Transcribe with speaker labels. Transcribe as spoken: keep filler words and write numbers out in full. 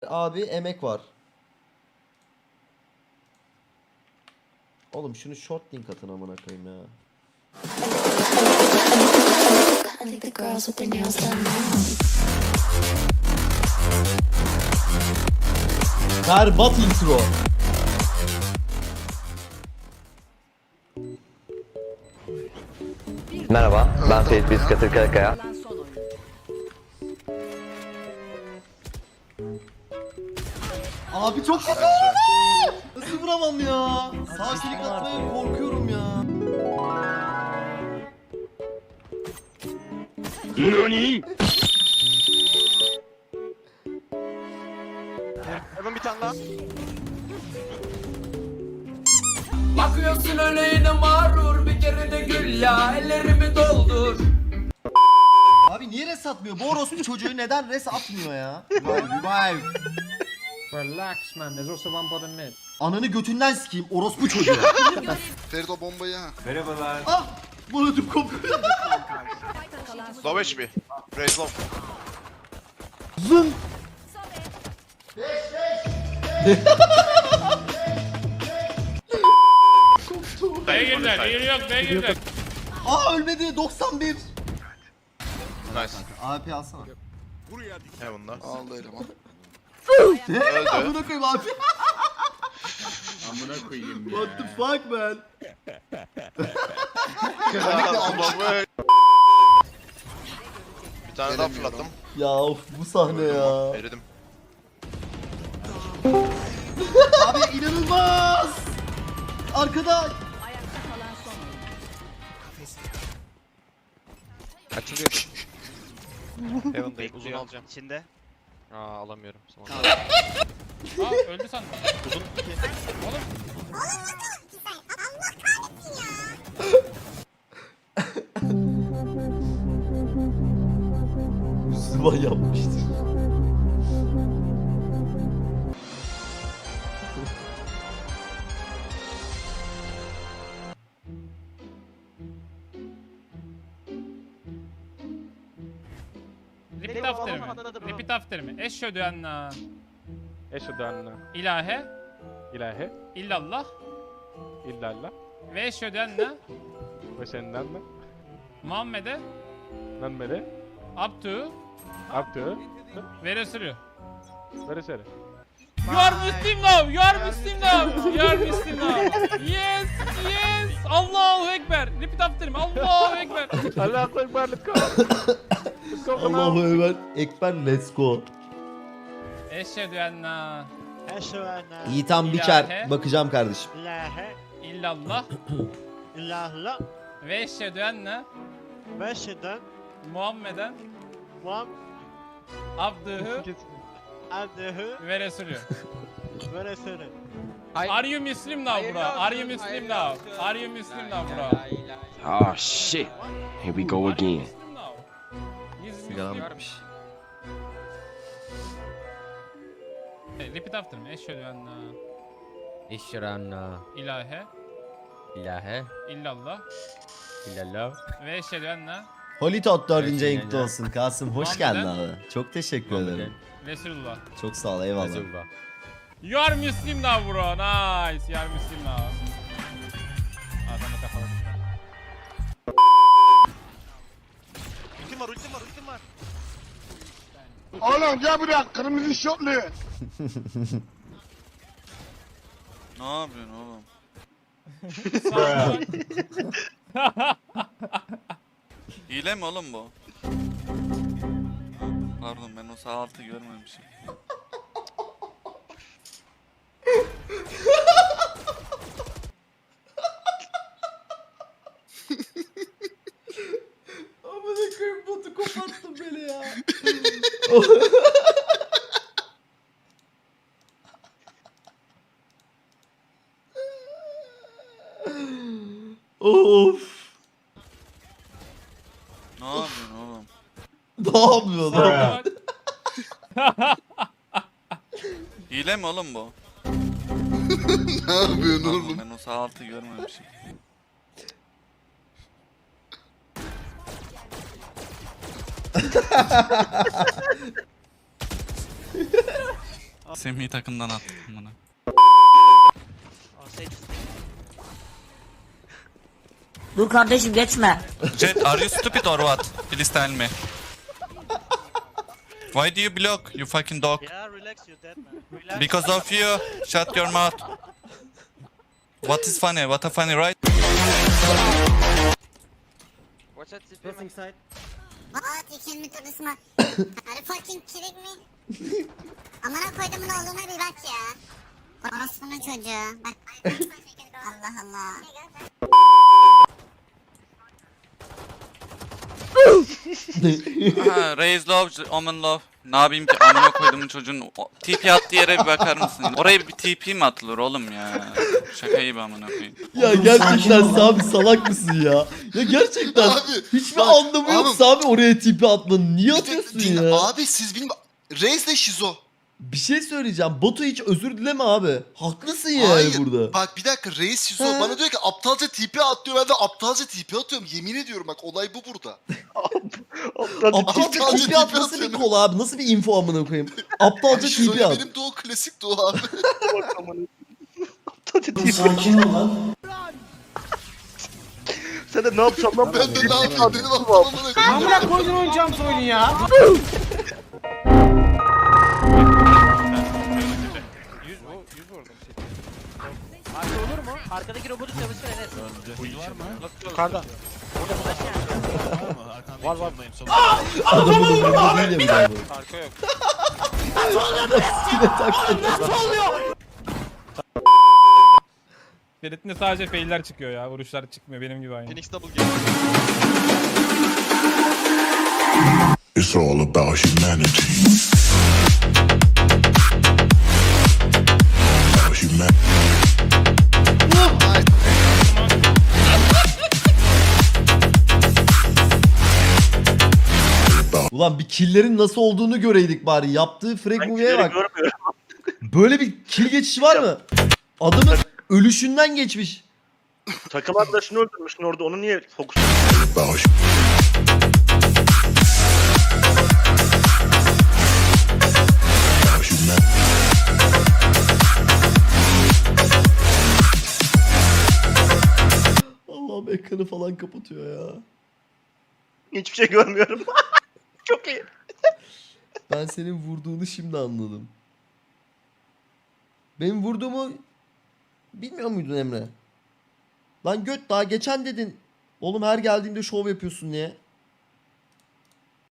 Speaker 1: Abi emek var. Oğlum şunu short link atın amına koyayım ya. Berbat intro.
Speaker 2: Merhaba, ben Ferit Biskatır Karakaya.
Speaker 1: Abi çok kötü. Nasıl vuramam ya? Sağ klik atmaya korkuyorum ya.
Speaker 3: Nani?
Speaker 4: Hemen bir tane daha.
Speaker 5: Bakıyorsun öyle yine mağrur, bir kere de gül ya, ellerimi doldur.
Speaker 1: Abi niye res atmıyor? Bu orospu çocuğu neden res atmıyor ya? Revive, revive.
Speaker 6: Relax man, there's also one bottom mid.
Speaker 1: Ananı götünden sikeyim orospu çocuğu.
Speaker 7: Ferit o bombayı ha.
Speaker 1: Ah! Molotof kopuyor.
Speaker 4: Low H P. Raise low.
Speaker 1: Zın!
Speaker 3: B'ye girdiler, yeri yok, B'ye girdiler.
Speaker 1: Aa ölmedi doksan bir.
Speaker 4: Nice.
Speaker 1: A P alsana.
Speaker 4: Heaven'da.
Speaker 7: Aldı eleman.
Speaker 4: Öldü.
Speaker 1: Amına koyayım abi.
Speaker 3: Amına koyayım ya.
Speaker 1: What the fuck man?
Speaker 4: Bomba. Bir tane daha fırlattım.
Speaker 1: Ya of bu sahne ya.
Speaker 4: Eridim.
Speaker 1: Abi inanılmaz. Arkada.
Speaker 4: Açılıyor. Heaven'dayım. Uzun alacağım. İçinde. Aa alamıyorum.
Speaker 3: Aa öldü sandım.
Speaker 4: Uzun.
Speaker 3: Oğlum.
Speaker 1: Müslüman yapmıştır.
Speaker 3: Repeat after mi? Repeat after mi? Eşhedü enne
Speaker 6: Eşhedü enne
Speaker 3: ilahe
Speaker 6: ilahe
Speaker 3: illallah
Speaker 6: illallah
Speaker 3: ve eşhedü enne
Speaker 6: ve senden de
Speaker 3: Muhammed'e
Speaker 6: Muhammed'e
Speaker 3: abdü
Speaker 6: abdü
Speaker 3: ve resulü.
Speaker 6: ve seni.
Speaker 3: You are Muslim now. You are Muslim now. You are Muslim now. Yes, yes. Allahu Ekber. Repeat after me. Allahu Ekber.
Speaker 6: Allahu Ekber, let's go. Let's go come
Speaker 1: Allahu
Speaker 6: on.
Speaker 1: Ekber. Ekber let's go.
Speaker 3: Eşhedü enne
Speaker 1: Yiğitan Biçer. Bakacağım kardeşim.
Speaker 8: İlahe
Speaker 3: illallah
Speaker 8: illallah
Speaker 3: ve eşhedü enne
Speaker 8: ve şeden
Speaker 3: Muhammeden
Speaker 8: Muhammed
Speaker 3: abdühü
Speaker 8: abdühü
Speaker 3: ve resulü.
Speaker 8: ve resulü.
Speaker 3: Are you Muslim now bro? Are you Muslim now? Are you Muslim now bro?
Speaker 9: Oh shit. Here we go
Speaker 3: Are you
Speaker 9: again.
Speaker 3: Muslim now? He's
Speaker 1: Sigaram
Speaker 3: Muslim.
Speaker 1: bitmiş.
Speaker 3: Repeat after me. Eşhedü enne
Speaker 10: İşranna
Speaker 3: ilahe
Speaker 10: ilahe
Speaker 3: illallah
Speaker 10: illallah
Speaker 3: ve eşhedü enne
Speaker 1: Holitot dördüncü
Speaker 10: Evet,
Speaker 1: ayınkta
Speaker 10: yine.
Speaker 1: olsun. Kasım hoş geldin abi. Çok teşekkür ederim.
Speaker 3: Resulullah.
Speaker 1: Çok sağ ol eyvallah.
Speaker 10: Resulullah.
Speaker 3: You are Muslim now bro. Nice. You are Muslim now. Adamı kafaladık.
Speaker 4: Ultim var, ultim var, ultim var.
Speaker 7: Oğlum gel buraya kırmızı şortlu. Ne yapıyorsun oğlum? Hile mi oğlum bu? Pardon ben o sağ altı görmemişim.
Speaker 1: Amına koyayım botu koparttın beni ya. Of.
Speaker 7: Ne yapıyorsun oğlum?
Speaker 1: Ne yapıyorsun lan?
Speaker 7: Hile mi oğlum bu? Ne yapıyorsun oğlum? Ben o sağ altı görmemişim. Semih'i takımdan attım bana.
Speaker 11: Dur kardeşim geçme.
Speaker 7: Jet, are you stupid or what? Please tell me. Why do you block, you fucking dog?
Speaker 8: Yeah, relax, you dead man. Relax.
Speaker 7: Because of you. Shut your mouth. What is funny? What a funny, right?
Speaker 5: Watch out,
Speaker 6: Just inside.
Speaker 11: What? You kill me to this man. Are you fucking kidding me? Amına koydum ne olduğuna bir bak ya. Orospu'nun çocuğu. Bak. Allah Allah.
Speaker 7: Ha, raise love, omen love. Ne yapayım ki amına koyduğumun çocuğun o- T P attığı yere bir bakar mısın? Oraya bir T P mi atılır oğlum ya? Şaka gibi amına koyayım.
Speaker 1: Ya gerçekten Sami salak mısın ya? Ya gerçekten
Speaker 4: Abi,
Speaker 1: hiçbir
Speaker 4: bak,
Speaker 1: anlamı yok
Speaker 4: oğlum.
Speaker 1: Sami oraya tipi atmanın. Niye
Speaker 4: Bir de
Speaker 1: atıyorsun
Speaker 4: dinle,
Speaker 1: ya?
Speaker 4: abi siz bilmiyorum. Reis de şizo.
Speaker 1: Bir şey söyleyeceğim. Batu hiç özür dileme abi. Haklısın yani
Speaker 4: Hayır.
Speaker 1: burada.
Speaker 4: Bak bir dakika reis şizo.
Speaker 1: He.
Speaker 4: Bana diyor ki aptalca T P at diyor. Ben de aptalca T P atıyorum. Yemin ediyorum bak olay bu burada.
Speaker 1: Aptalca
Speaker 4: Aptalca
Speaker 1: tipi
Speaker 4: tipi
Speaker 1: at nasıl bir
Speaker 4: atıyorum.
Speaker 1: kol abi? Nasıl bir info amına koyayım? Aptalca
Speaker 4: Abi
Speaker 1: tipi
Speaker 4: şizoya
Speaker 1: at.
Speaker 4: benim doğu klasik doğu abi.
Speaker 1: Sakin ol lan.
Speaker 6: Sen de ne yapacağım lan?
Speaker 4: Ben de ne yapayım benim aptalımı ne koyayım.
Speaker 6: Amına koydun oynayacağım oyunu ya.
Speaker 8: Arka olur mu? Arkadaki robotu çalıştır Enes.
Speaker 6: Yukarıda. Var var.
Speaker 1: Adamın umurunda değil ya bir daha bu.
Speaker 8: Arka yok.
Speaker 1: Yine taktı.
Speaker 3: Ferit'in sadece failler çıkıyor ya. Vuruşlar çıkmıyor benim gibi aynı.
Speaker 4: Phoenix double game.
Speaker 12: It's all about humanity. About humanity.
Speaker 1: Ulan bir killerin nasıl olduğunu göreydik bari. Yaptığı frag movie'ye bak. Böyle bir kill geçişi var mı? Adamın ölüşünden geçmiş.
Speaker 6: Takım arkadaşını öldürmüşsün orada, onu niye fokus?
Speaker 12: About about humanity.
Speaker 1: Allah'ım ekranı falan kapatıyor ya.
Speaker 6: Hiçbir şey görmüyorum. Çok iyi.
Speaker 1: Ben senin vurduğunu şimdi anladım. Benim vurduğumu bilmiyor muydun Emre? Lan göt daha geçen dedin. Oğlum her geldiğinde şov yapıyorsun diye.